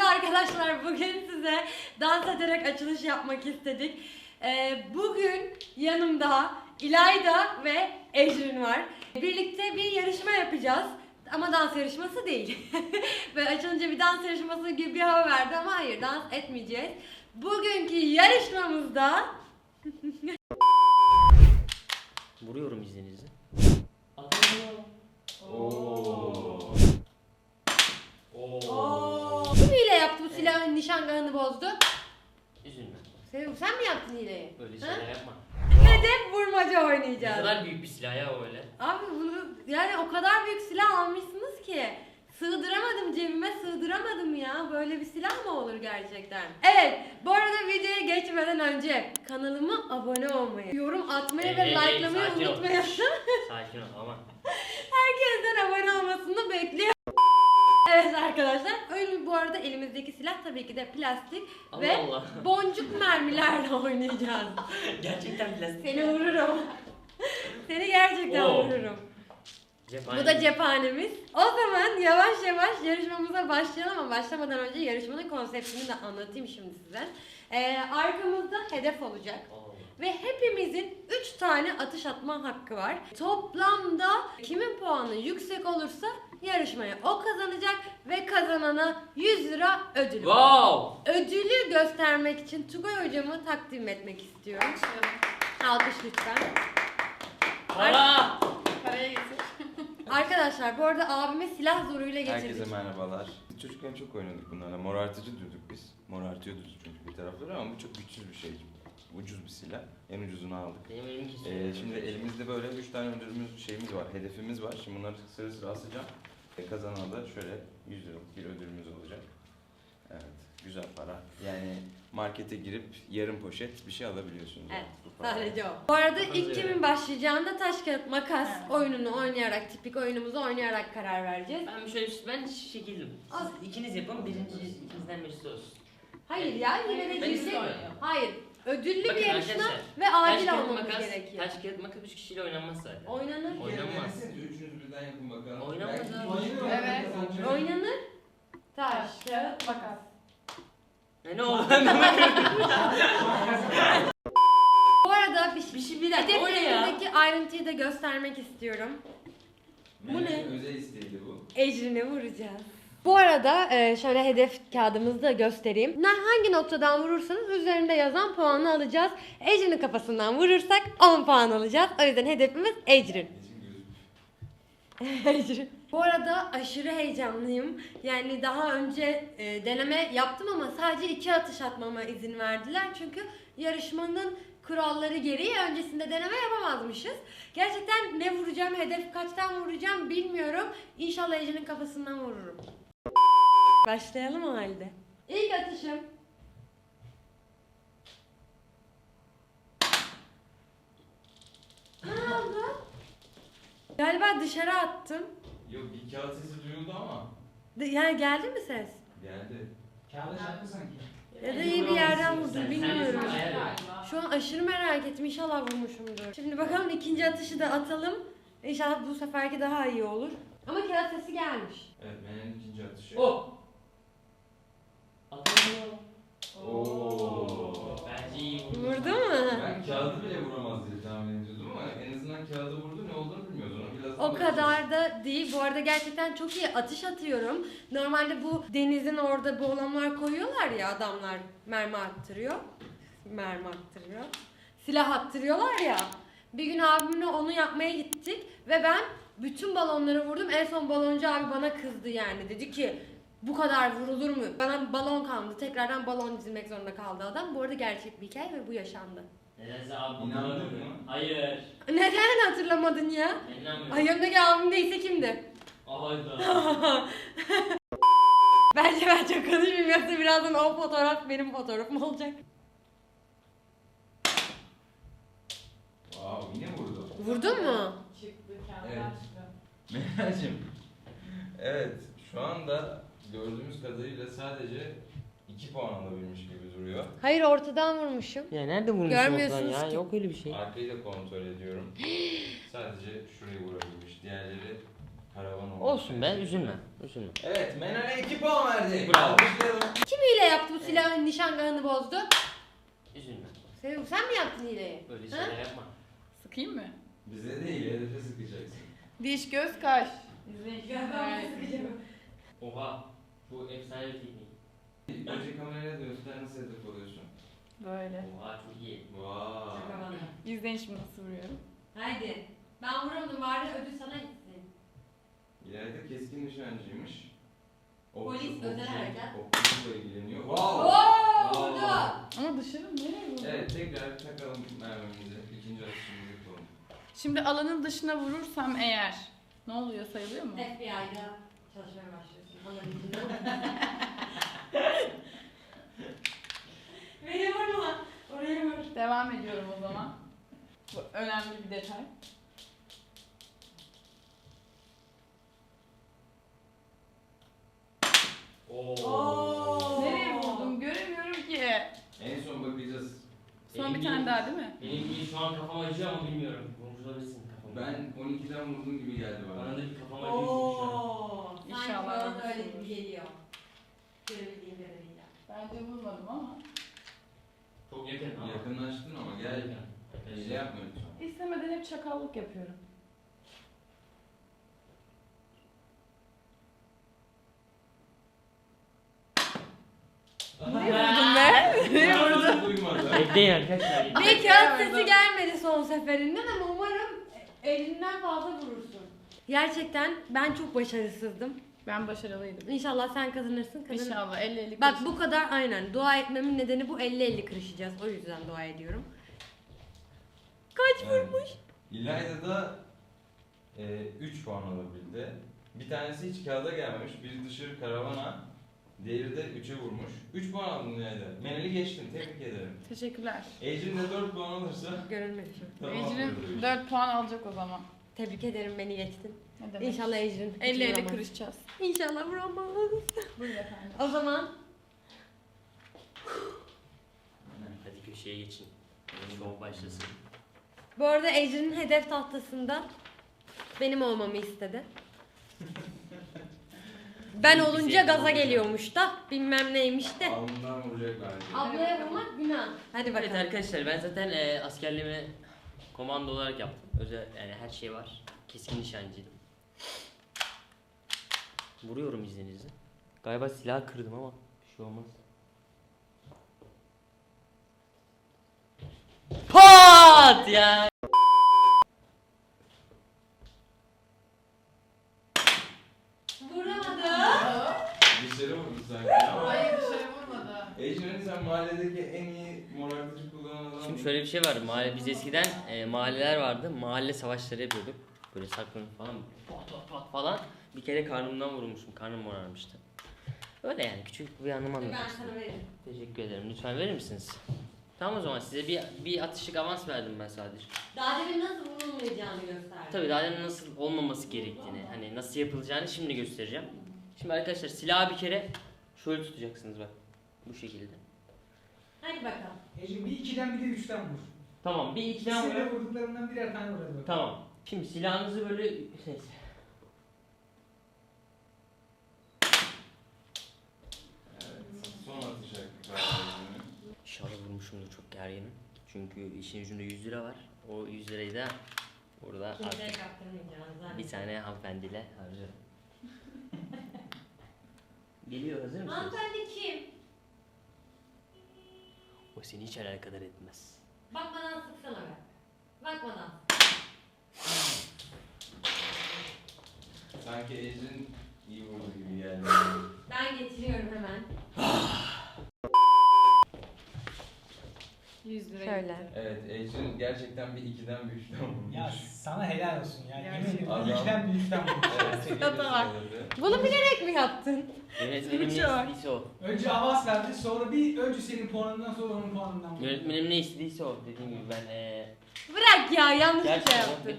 arkadaşlar, bugün size dans ederek açılış yapmak istedik. Bugün yanımda İlayda ve Ecrin var. Birlikte bir yarışma yapacağız. Ama dans yarışması değil. Ve açılınca bir dans yarışması gibi bir hava verdi ama hayır, dans etmeyeceğiz. Bugünkü yarışmamızda... Vuruyorum izninizle. Kim hile yaptı bu silahın nişangahını bozdu? Üzülme. Sen mi yaptın hileyi? Öyle şeyler yapma. Hedef vurmaca Ne oynayacağız. kadar büyük bir silah ya öyle. Abi bunu yani o kadar büyük silah almışsınız ki sığdıramadım, cebime sığdıramadım ya. Böyle bir silah mı olur gerçekten? Evet, bu arada videoya geçmeden önce kanalıma abone olmayı, yorum atmayı ve likelamayı sakin ol. unutmayın. Sakin ol ama. Herkesten abone olmasını bekliyorum. Evet arkadaşlar, öyle bu arada elimizdeki silah tabii ki de plastik Allah ve Allah. boncuk mermilerle oynayacağız. Gerçekten plastik. Seni vururum. Seni gerçekten Oo. vururum. Cephane. Bu da cephanemiz. O zaman yavaş yavaş yarışmamıza başlayalım ama başlamadan önce yarışmanın konseptini de anlatayım şimdi size. Arkamızda hedef olacak. Oo. Ve hepimizin 3 tane atış atma hakkı var. Toplamda kimin puanı yüksek olursa yarışmaya o kazanacak ve kazanana 100 lira ödül. Wow. Ödülü göstermek için Tugay hocamı takdim etmek istiyorum. Alkış lütfen. Para. Paraya getir. Arkadaşlar bu arada abime silah zoruyla getirdik. Herkese merhabalar. Biz çocukken çok oynadık bunlarla. Morartıcı diyorduk biz. Morartıyordu çünkü bir tarafları ama bu çok güçsüz bir şey. Ucuz bir silah. En ucuzunu aldık. Benim elimi kesiyor. Şimdi elimizde böyle 3 tane şeyimiz var, hedefimiz var. Şimdi bunları sıra sıra asacağım. Kazanana da şöyle 100 liralık bir ödülümüz olacak. Evet, güzel para. Yani markete girip yarım poşet bir şey alabiliyorsunuz. Evet, bu parayla. sadece o. Bu arada Hazır ilk kimin yani. başlayacağında taş kağıt makas Evet. oyununu oynayarak, tipik oyunumuzu oynayarak karar vereceğiz. Ben şekildim. Siz ikiniz yapın, birinci ikinizden birisi olsun. Hayır ya, yine de Ben ciddi. istiyorum. Hayır, ödüllü Bakın bir yarışma arkadaşlar, ve adil Taş kağıt olmamız makas, gerekiyor. taş kağıt makas 3 kişiyle oynanmaz zaten. Oynanır. Oynanmaz. Üçünüz birden yapın bakalım. Oynamaz Belki abi. oynanır. Evet. Oynanır. Taş, kağıt, makas. Ne oldu? Bu arada Bir dakika, o ne ya? hedeflerimizdeki ayrıntıyı da göstermek istiyorum. Bu ne? Özel isteğiydi bu. Ecrin'i vuracağız. Bu arada şöyle hedef kağıdımızı da göstereyim. Hangi noktadan vurursanız üzerinde yazan puanı alacağız. Ecrin'in kafasından vurursak 10 puan alacağız. O yüzden hedefimiz Ecrin. Ecrin. Bu arada aşırı heyecanlıyım. Yani daha önce deneme yaptım ama sadece 2 atış atmama izin verdiler. Çünkü yarışmanın kuralları gereği öncesinde deneme yapamazmışız. Gerçekten ne vuracağım, hedef kaçtan vuracağım bilmiyorum. İnşallah Ecrin'in kafasından vururum. Başlayalım o halde. İlk atışım. Ne oldu? Galiba dışarı attım. Yok, bir kağıt sesi duyuldu ama. Yani geldi mi ses? Geldi. Kağıda çarptı sanki. Ya da iyi bir yerden vurdum, Sen- bilmiyorum. sen- sen- Galiba. Şu an aşırı merak ettim. İnşallah vurmuşumdur. Şimdi bakalım ikinci atışı da atalım. İnşallah bu seferki daha iyi olur. Ama kağıt sesi gelmiş. Evet, benim ikinci atışı. Oh. Atamıyor. Oo. Bence iyi vurdu. Vurdu mu? Ben kağıdı bile vuramaz diye tahmin ediyordum ama en azından kağıdı vurdu, ne olduğunu bilmiyoruz. Ona biraz O kadar da değil. Bu arada gerçekten çok iyi atış atıyorum. Normalde bu denizin orada balonlar koyuyorlar ya, adamlar mermi attırıyor. Mermi attırıyor. Silah attırıyorlar ya. Bir gün abimle onu yapmaya gittik ve ben bütün balonları vurdum. En son baloncu abi bana kızdı yani. Dedi ki bu kadar vurulur mu? Bana balon kaldı. Tekrardan balon dizilmek zorunda kaldı adam. Bu arada gerçek bir hikaye ve bu yaşandı. Nedense abi İnandın bunlar- mı? Hayır. Neden hatırlamadın ya? İnanmıyorum. Ay, yanımdaki abim değilse kimdi? Hayda. Bence ben çok konuşmayayım, yoksa birazdan o fotoğraf benim fotoğrafım olacak. Wow, yine vurdu. Vurdun mu? Çıktı kağıtlar Evet. çıktı. Mehracığım. Evet, şu anda gördüğümüz kadarıyla sadece 2 puan alabilmiş gibi duruyor. Hayır, ortadan vurmuşum. Ya nerede vurmuşsun Görmüyorsunuz ortadan ya? ki. Yok öyle bir şey. Arkayı da kontrol ediyorum. Sadece şurayı vurabilmiş. Diğerleri karavan olmuş. Olsun be, üzülme. Üzülme. Evet, Menel'e 2 puan verdik. Bravo. Alkışlayalım. hile yaptı bu silahın nişangahını bozdu? Üzülme. Sen mi yaptın hileyi? Öyle Ha? şeyler yapma. Sıkayım mı? Bize değil, hedefe sıkacaksın. Diş, göz, kaş. Oha. Bu efsane bir teknik. Önce kameraya dönüşten nasıl hedef oluyorsun? Böyle. Oha çok iyi. Vay. İzleyin şimdi nasıl vuruyorum. Haydi. Ben vuramadım bari ödül sana gitsin. İleride keskin nişancıymış. Polis, özel harekat. Okçulukla ilgileniyor. Oo, vurdu. Ama dışarı nereye vurdum? Evet, tekrar takalım mermimizi. İkinci atışımızı yapalım. Şimdi alanın dışına vurursam eğer ne oluyor, sayılıyor mu? FBI'da çalışmaya başlıyorsun. Alabildiğinden. Beni vurma. Oraya vur. Devam ediyorum o zaman. Bu önemli bir detay. Oo. Nereye vurdum göremiyorum ki. En son bakacağız. Son bir tane daha değil mi? Benim şu an kafam acıyor ama bilmiyorum. Vurmuş olabilirsin kafamı. Ben 12'den vurdum gibi geldi bana. Bana da bir kafam acıyor şu an. Oo. Sanki İnşallah bana da öyle vurursunuz. gibi geliyor. Görebildiğim kadarıyla. Bence vurmadım ama. Çok yakın ama. Yakınlaştın ama gel. Hile yapma lütfen. İstemeden hep çakallık yapıyorum. Nereye vurdun be? Nereye vurdun? Duymadı. Bekleyin arkadaşlar. Bir kağıt sesi gelmedi son seferinden ama umarım elinden fazla vurursun. Gerçekten ben çok başarısızdım. Ben başarılıydım. İnşallah sen kazanırsın. İnşallah 50-50 Bak bu kadar aynen. Dua etmemin nedeni bu 50-50 kırışacağız. O yüzden dua ediyorum. Kaç vurmuş? İlayda da 3 puan alabildi. Bir tanesi hiç kağıda gelmemiş. Biri dışarı karavana. Diğeri de 3'e vurmuş. 3 puan aldın İlayda. Menel'i geçtin. Tebrik ederim. Teşekkürler. Ecrin de 4 puan alırsa Görülmedi şu. tamam. Ecrin 4 puan alacak o zaman. Tebrik ederim beni geçtin. Ne demek? İnşallah Ecrin. 50-50 vuramaz. kırışacağız. İnşallah vuramaz. Buyurun efendim. O zaman Hadi köşeye geçin. Şov başlasın. bu arada Ecrin'in hedef tahtasında benim olmamı istedi. Ben olunca gaza geliyormuş da bilmem neymiş de. Alnından vuracak bence. Ablaya vurmak günah. Hadi bakalım. Evet arkadaşlar ben zaten askerliğimi komando olarak yaptım. Özel yani her şey var. Keskin nişancıydım. Vuruyorum izninizle. Galiba silah kırdım ama bir şey olmaz. Pat ya. Vuramadı. Dışarı vurdu sanki ama. Hayır dışarı vurmadı. Ecrin sen mahalledeki en iyi morartıcı kullanan adam. Şimdi şöyle bir şey var. Biz eskiden mahalleler vardı. Mahalle savaşları yapıyorduk. Böyle saklanıp falan pat pat pat falan. Bir kere karnımdan vurulmuşum. Karnım morarmıştı. Öyle yani küçük bir anım Ben anlatmıştım. sana veririm. Teşekkür ederim. Lütfen verir misiniz? Tamam o zaman size bir atışlık avans verdim ben sadece. Daha demin nasıl vurulmayacağını gösterdi. Tabii daha demin nasıl olmaması gerektiğini, hani nasıl yapılacağını şimdi göstereceğim. Şimdi arkadaşlar silahı bir kere şöyle tutacaksınız bak. Bu şekilde. Hadi bakalım. Ecim bir 2'den bir de 3'ten vur. Tamam bir iki tane İkisine vuralım. vurduklarından birer tane vur hadi bakalım. Tamam. Şimdi silahınızı böyle neyse. Evet. Son atış hakkı galiba. İnşallah vurmuşumdur, çok gerginim. Çünkü işin ucunda 100 lira var. O 100 lirayı da burada Kimseye artık kaptırmayacağız. bir tane hanımefendiyle harcarım. Geliyor, hazır mısınız? Hanımefendi kim? O seni hiç alakadar etmez. Bakmadan sıksana be. Bakmadan. Sanki Ecrin iyi vurdu gibi geldi. Ben getiriyorum hemen. 100 lira. Şöyle. Evet, Ecrin gerçekten bir 2'den bir 3'ten vurmuş. Ya sana helal olsun ya. Yemin Gerçekten. ederim bir 2'den bir 3'ten vur. Evet, tekrar Hata var. söyledi. Bunu bilerek mi yaptın? Yönetmenim ne Çok. istediyse o. Önce avans verdi sonra önce senin puanından sonra onun puanından vur. Yönetmenim ne istediyse o. Dediğim gibi ben Bırak ya yanlış bir şey gerçekten yaptın.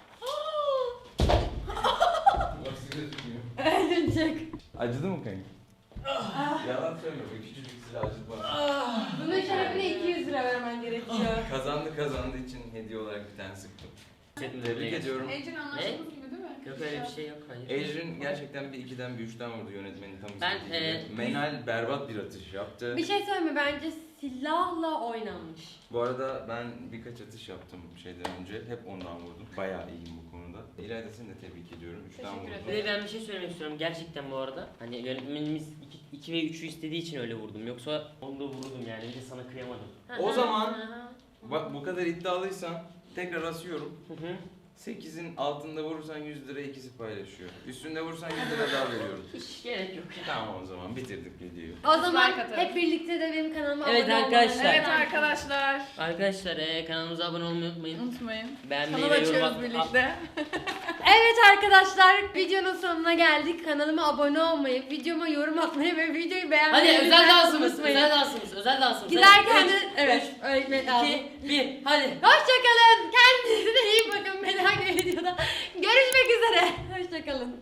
Bak size tutmuyor. Öldürecek. Acıdı mı kanka? Yalan söyleme, be, küçücük silah acıtma. Bunun şerefine 200 lira vermen gerekiyor. Kazandığı için hediye olarak bir tane sıktım. hissetmedim. Tebrik ediyorum. Ecrin anlaştığımız gibi değil mi? Yok öyle bir şey yok. Hayır. Ecrin gerçekten bir 2'den bir 3'ten vurdu yönetmenin tam Ben, istediği gibi. Meynal berbat bir atış yaptı. Bir şey söyleme, bence silahla oynanmış. Bu arada ben birkaç atış yaptım şeyden önce. Hep ondan vurdum. Bayağı iyiyim bu konuda. İlayda seni de tebrik ediyorum. 3'ten Teşekkür vurdum. Bir de ben bir şey söylemek istiyorum gerçekten bu arada. Hani yönetmenimiz 2 ve 3'ü istediği için öyle vurdum. Yoksa onu da vurdum yani. Bir de sana kıyamadım. O zaman bak bu kadar iddialıysan tekrar asıyorum. Hı hı. 8'in altında vurursan 100 lira ikisi paylaşıyor. Üstünde vurursan 100 lira daha veriyorum. Hiç gerek yok. Tamam o zaman bitirdik videoyu. O zaman Like atarım. hep birlikte de benim kanalıma Evet abone arkadaşlar. olmayı Evet arkadaşlar. Arkadaşlar kanalımıza abone olmayı unutmayın. Unutmayın. Beğenmeyi Kanal ve yorum açıyoruz atmayı. birlikte. Evet arkadaşlar, videonun sonuna geldik. Kanalıma abone olmayı, videoma yorum atmayı ve videoyu beğenmeyi Hadi özel dansımız, özel dansımız, özel dansımız. Giderken Hadi, de üç, evet öğretmen lazım. 2, 1, hadi. Hoşçakalın. Kendinize iyi bakın. Bir dahaki videoda görüşmek üzere. Hoşçakalın.